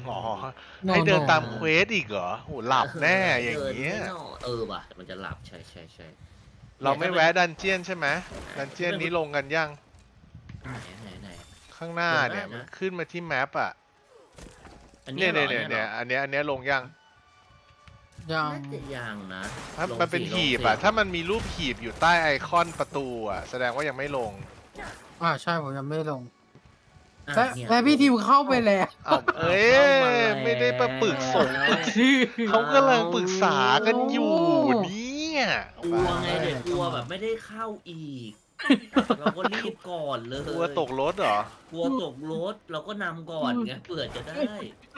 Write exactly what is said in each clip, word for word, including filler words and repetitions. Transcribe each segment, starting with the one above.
อ๋อ No, ให้เดิน no ตามเควสอีกเหรอโหหลับแน่อย่างเงี้ยเออว่ะมันจะหลับใช่ใช่ใช่เราไม่แวะดันเจียนใช่ไหมดันเจียนนี้ลงกันยังไหนไหนไหนข้างหน้าเนี่ยลงได้นะมันขึ้นมาที่แมปอ่ะอันเนี่นี้ยเหรเนี่ยอเนี่ยอัเนี่ยอันเนี้ยอันเนี้ยลงยังยังน่าจะยังนะถ้าลงมันเป็นสิหีบลงสิอ่ะถ้ามันมีรูปหีบอยู่ใต้ไอคอนประตูอ่ะแสดงว่ายังไม่ลงอ่าใช่ผมยังไม่ลงอ่ะและเนี่ยและพี่ทิวเข้าไปแล้วอ้าวเอ้ยไม่ได้ไปปรึกษาเขากำลังปรึกษากันอยู่เนี่ยกลัวไงเด็กกลัวแบบไม่ได้เข้าอีก เราก็รีบก่อนเลยกลัวตกรถเหรอกลัวตกรถเราก็นำก่อนไงเผื่อจะได้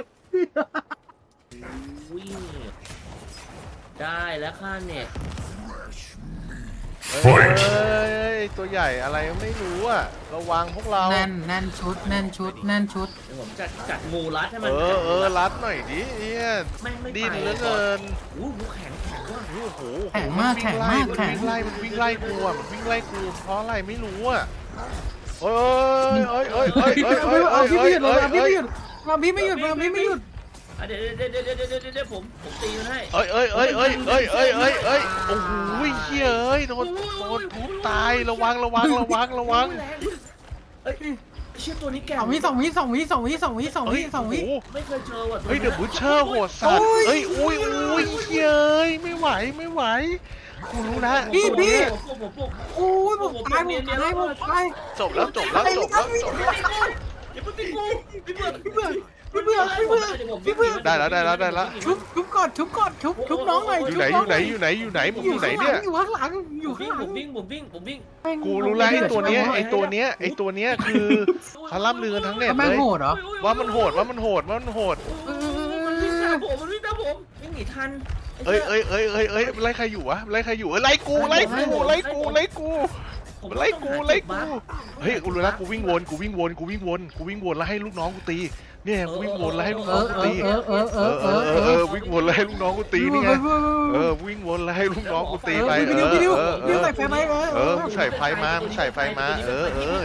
วิ่งได้แล้วค่าเน็ตเฮ้ยเฮ้ยตัวใหญ่อะไรไม่รู้อ่ะระวังพวกเราแน่นแน่นชุด แน่นชุด แน่นชุดเดี๋ยวผมจัดจัดงูรัดให้มัเอน อจัดเองูอรัดรัดหน่อยดิเนี่ยแม่งไม่ดิ้นไปเหลือเกินอู้หูแข็งแข็งว่ะโอ้โหแข็งมากนแข็งวิ่มากไล่แข็งมันวิ่งไล่มันวิ่งไล่กูอ่ะมันวิ่งไล่กูเพราะอะไรไม่รู้อ่ะเอ้ยเอ้ยเอ้ยเอ้ยพี่เอ้ยไม่เอ้ยหยุดเอ้ยเอาพี่เอ้ไม่ยหยุดเอาพี่ไม่หยุดเอาพี่ไม่หยุดเอาพี่ไม่หยุดอ่ะเดี๋ยวเดี๋ยวเดี๋ยวเดี๋ยวเดี๋ยวเดี๋ยวเดี๋ยวผมผมตีมันให้เอ้ยเอ้ยเอ้ยเอ้ยเอ้ยเอ้ยเอ้ยเอ้ยโอ้โหเฮ้ยเอ้ยโดนโดนทุบตายระวังระวังระวังระวังแรงเอ้ยเชื่อตัวนี้แก่สองวิสองวิสองวิสองวิสองวิสองเฮ้วิยสองวิโอ้โหไม่เคยเจอว่ะตัวเฮ้ยนี้เดี๋ยวบูชเชอร์โหดสัตว์โอ้ยเฮ้ยอุ้ยอุ้ยเฮ้ยไม่ไหวไม่ไหวกูรู้นะพี่พี่ผมผมผมโอ้ยผมตายผมตายผมตายจบแล้วจบแล้วจบแล้วจบแล้วอย่าเพิ่งตีกูพี่เบื่อพี่เบื่อพี่เบื่อพี่เบื่อพี่เบื่อได้แล้วได้แล้วได้แล้วชุบชุบก่อนชุบก่อนชุบชุบน้องหน่อยอยู่ชุบไหนอน้องยู่หไหนน่อยอยู่ไหนอยู่ไหนมึงออยู่ ยู่ไหนข้างหลัเนี่ยงอยู่ข้างหลังอผยู่มข้าวิ่งงหลังผมวิ่งผมวิ่งผมวิ่งกูรู้แล้วไอ้ตัวเนี้ยไอ้ตัวเนี้ยไอ้ตัวเนี้ยคือเขาล่ำลือกันทั้งเน็ตแม่เลงยโหดเหรอว่ามันโหดว่ามันโหดว่ามันโหดมันวิ่งตามผมมันวิ่งตามผมวิ่งหนีทันเอ้ยเอ้ยเอ้ยเอ้ยเอ้ยไล่ใครอยู่วะไล่ใครอยู่เอ้ยไล่กูไล่กูไล่กูไล่กูไล่กูไล่กูเฮ้ยกูรู้แล้วกูวิ่งวนกูวิ่งวนกูวิ่งวนกูวิ่งวนแล้วให้ลูกน้องกูตีเนี่ยกูวิ่งวนแล้วให้ลูกเอน้องอกูเอตีอเออเออเอเอออเอเอออเออวิ่งวนแล้วให้ลูกน้องกูตีนี่ไงเออวิ่งวนแล้วให้ลูกน้องกูตีไปพี่เอดิวอพี่ดิวเออพี่เอดิวอใส่ไฟไหมเออเออมึงใส่ไฟมามึงใส่ไฟมาเออเออ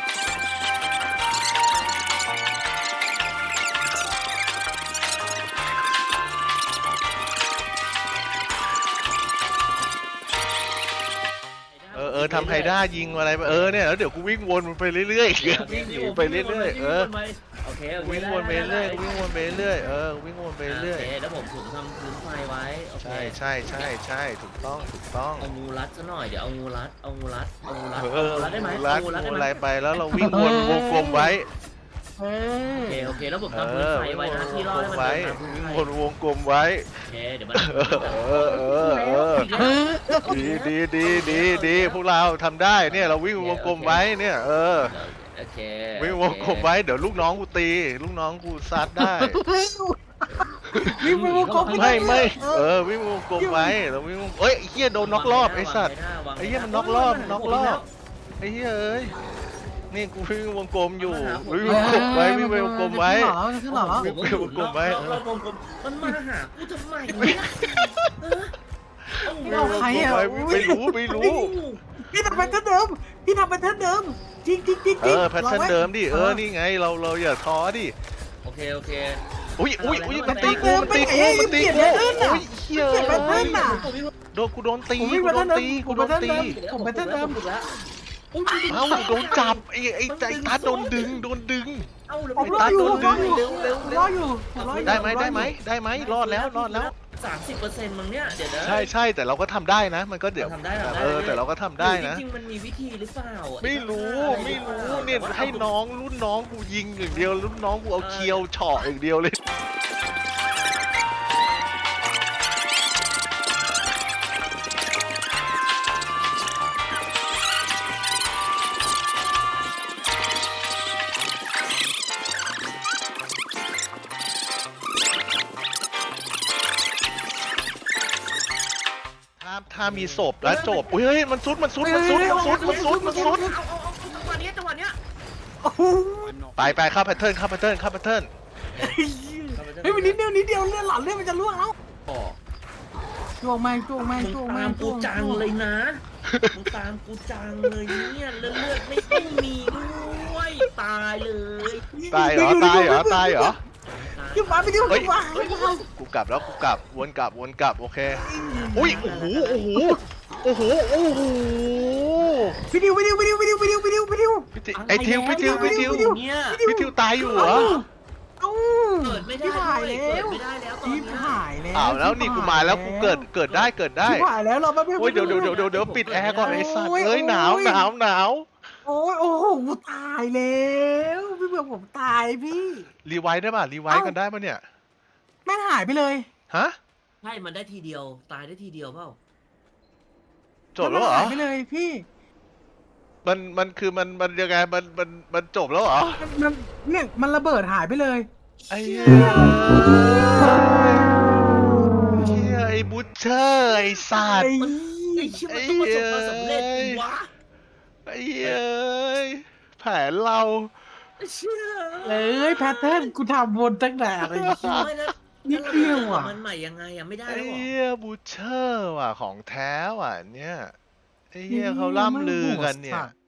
เออเออทำไฮด้ายิงอะไรไปเออเนี่ยแล้วเดี๋ยวกูวิ่งวนมันไปเรื่อยๆวิ่งหนีไปเรื่อยๆเออโอเควิ่งวนไปเรื่อยวิ่งวนไปเรื่อยเออวิ่งวนไปเรื่อยแล้วผมถึงทำพื้นไฟไว้โอเคใช่ใช่ใช่ใช่ถูกต้องถูกต้องเอางูรัดซะหน่อยเดี๋ยวเอางูรัดเอางูรัดเอางูรัดเออเอางูรัดได้ไหมรัดเอางูรัดได้งูไหอะมไรไปแล้วเราวิ่งวนวงกลมไว้เอโอเคอโอเคแล้วผมเอทำพื้นอไฟวิ่งไว้วนนะวที่งรอก ดลให้มมันไว้เดินตามพื้นวิ่งไฟวนวงกลมไว้โอเคเดี๋ยวมันเออเออเออเออเออดีดีดีดีดีพวกเราทำได้เนี่ยเราวิ่งวงกลมไว้เนี่ยเออโอเควิ่งวงกลมไว้เดี๋ยวลูกน้องกูตี ลูกน้องกูซัดได้วิ่งไปวงกลมไม่ไม่เออวิ่งวงกลมไว้เราวิ่งวงเอ้ยไอ้เหี้ยโดนน็อกรอบไอ้สัตว์ ไอ้เหี้ยมันน็อกรอบน็อกรอบไอ้เหี้ยเอ้ยนี่กูวิ่งวงกลมอยู่วิ่งวงกลมไว้วิ่งไปวงกลมไว้ขึ้นหรอขึ้นหรอวิ่งไปวงกลมไว้รอบวงกลมมันมาหากูทำไมเนี่ยเออเอาไม่งูเอาใครอ่ะไม่รู้ไม่รู้พี่ทำเป็นเท่าเดิมพี่ทำเป็นเท่าเดิมจริงจริงจริงเออแพทเทิร์นเดิมดิเออนี่ไงเราเราอย่าท้อดิโอเคโอเคอุ้ยอุ้ยอุ้ยมันตีกูมันตีกูมันตีกูอุ้ยเหี้ยเปลี่ยนแพทเทิร์นอ่ะโดนกูโดนตีผมไม่กูโดนแพทเทิร์นตีกูผมโดนแพทเทิร์นตีเดิม ผมไปเต้นเดิมเอ้าโดนจับไอ้ไอ้ใจตาโดนดึงโดนดึงเอ้าเร็วผมรออยู่ผมรออยู่เร็วเร็วผมเร็รวออยู่ผมรออยู่ได้ไหมได้ไหมได้ไหมรอดแล้วรอดแล้วสามสิบเปอร์เซ็นต์มั้งเนี่ยเดี๋ยวนะใช่ใช่แต่เราก็ทำได้นะ มันก็เดี๋ยวทำได้ทำได้เออแต่เราก็ทำได้นะจริงๆมันมีวิธีหรือเปล่าไม่รู้ไม่รู้เนี่ยให้น้องรุ่นน้องกูยิงอย่างเดียวรุ่นน้องกูเอาเคียวเฉาะอย่างเดียวเลยถ้าถ้ามีศพแล้วจบอุ้ยเฮ้ยมันซุดมันซุดมันซุดมันซุดมันซุดมันซุดเอาเอาเอาจังหวะเนี้ยจังหวะเนี้ยโอ้โหไปไปเข้าแพทเทิร์นเข้าแพทเทิร์นเข้าแพทเทิร์นเฮ้ยมันนิดเดียวนิดเดียวเลือดหลั่นเลือดมันจะล่วงแล้วบอกจ้วงแม่งจ้วงแม่งมึงจ้วงตาแม่มงกูจังเลยนะมึงตามกูจังเลยเนี่ยเลือดเลือดไม่ไม่มีด้วยตายเลยตายเหรอตายเหรอตายเหรอตายอย่ามาไปดิวเฮ้ยมากูกลับแล้วกูกลับวนกลับวนกลับโอเคอุ้ยโอ้โหโอ้โหโอ้โหโอ้โหพี่ดิวพี่ดิวพี่ดิวพี่ดิวพี่ดิวพี่ดิวพี่ดิวพี่ติไอทิวพี่ทิวพี่ทิวเนี่ยพี่ทิวตายอยู่เหรอเอ้าเกิดไม่ได้พี่ด้หายวยแล้เกิดวไม่ได้แล้วตอนพี่เนี้ยหายแล้วอ้าวแล้วนี่กูมาแล้วกูเกิดเกิดได้เกิดได้พี่หายแล้วเราไม่โอ้ยเดี๋ยวเดี๋ยวเดี๋ยวเดี๋ยวเดี๋ยวปิดแอร์ก่อนไอ้สัตว์เอ้ยหนาวหนาวหนาวโอ้ยโอ้โหกูตายแล้วพี่เบื่อผมตายพี่รีไวท์ได้ป่ะรีไวท์กันได้ป่ะเนี่ยแม่งหายไปเลยฮะใช่มันได้ทีเดียวตายได้ทีเดียวเปล่าจบแล้วเหรอหายไปเลยพี่มันมันคือมันมันยังไงมันมันมันจบแล้วเหรอมันมันเนี่ยมันระเบิดหายไปเลยไอ้เหี้ยเหี้ยไอ้บูชเชอร์ไอ้สัตว์ไอ้เชี่ยมันต้องประสบความสำเร็จดิวะไอ้เหี้ยแผนเราไอ้เชี่ยเอ้ยแพทเทิร์นกูทำวนตั้งแต่อะไรอย่างเงี้ยไม่แล้วนิดเดียวอะมันใหม่ยังไงอะไม่ได้ไอ้แล้วเหรอเหี้ยบูชเชอร์ว่ะของแท้ว่ะเนี่ยไอ้เหี้ยเขาล่ำลือกันเนี่ยสัตว์